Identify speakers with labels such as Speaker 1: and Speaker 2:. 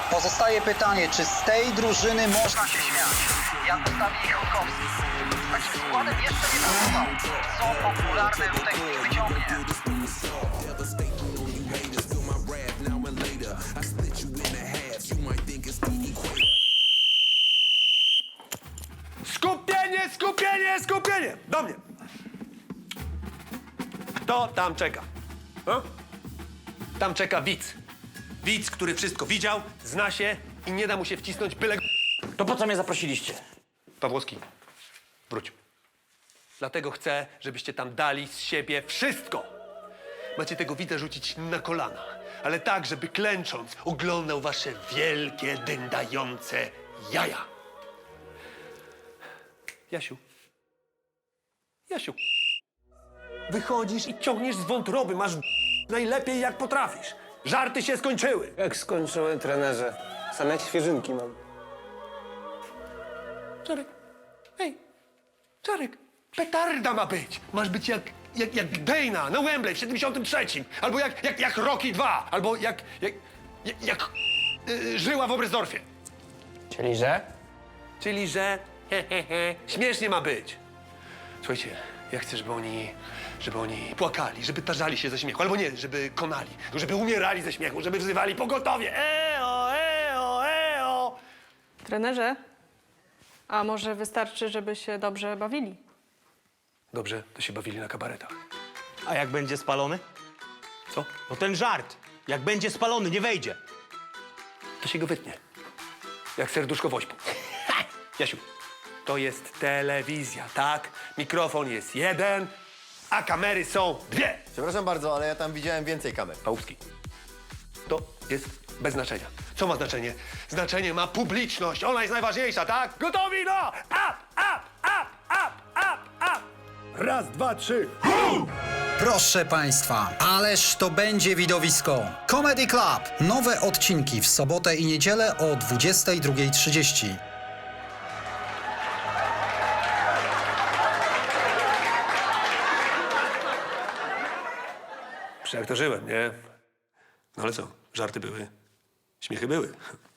Speaker 1: Pozostaje pytanie, czy z tej drużyny można się śmiać? Jak postawi ich Chodkowski? Z takim składem jeszcze nie pracował. Co popularne Rutek nie wyciągnie?
Speaker 2: Skupienie, skupienie, skupienie! Do mnie! Kto tam czeka? A? Tam czeka widz. Widz, który wszystko widział, zna się i nie da mu się wcisnąć byle...
Speaker 3: To po co mnie zaprosiliście?
Speaker 2: Pawłowski, wróć. Dlatego chcę, żebyście tam dali z siebie wszystko. Macie tego widza rzucić na kolana, ale tak, żeby klęcząc oglądał wasze wielkie, dyndające jaja. Jasiu. Jasiu. Wychodzisz i ciągniesz z wątroby, masz najlepiej jak potrafisz. Żarty się skończyły.
Speaker 4: Jak skończyłem, trenerze? Same świeżynki mam.
Speaker 2: Czarek, hej, Czarek, petarda ma być. Masz być jak Dana na Wembley w 73. Albo jak Rocky 2. Albo jak Żyła w Oberstdorfie.
Speaker 4: Czyli że?
Speaker 2: Czyli, że śmiesznie ma być. Słuchajcie, ja chcę, żeby oni płakali, żeby tarzali się ze śmiechu. Albo nie, żeby konali, żeby umierali ze śmiechu, żeby wzywali pogotowie. Eo, eo, eo.
Speaker 5: Trenerze, a może wystarczy, żeby się dobrze bawili?
Speaker 2: Dobrze, to się bawili na kabaretach.
Speaker 6: A jak będzie spalony?
Speaker 2: Co?
Speaker 6: No ten żart. Jak będzie spalony, nie wejdzie.
Speaker 2: To się go wytnie. Jak serduszko woźpu. Jasiu, to jest telewizja, tak? Mikrofon jest jeden, a kamery są dwie.
Speaker 7: Przepraszam bardzo, ale ja tam widziałem więcej kamer.
Speaker 2: Pałupski. To jest bez znaczenia. Co ma znaczenie? Znaczenie ma publiczność. Ona jest najważniejsza, tak? Gotowi, no! Up, up, up, up, up, up! Raz, dwa, trzy.
Speaker 1: Proszę Państwa, ależ to będzie widowisko. Comedy Club. Nowe odcinki w sobotę i niedzielę o 22:30.
Speaker 2: Przeaktorzyłem, nie? No ale co? Żarty były, śmiechy były.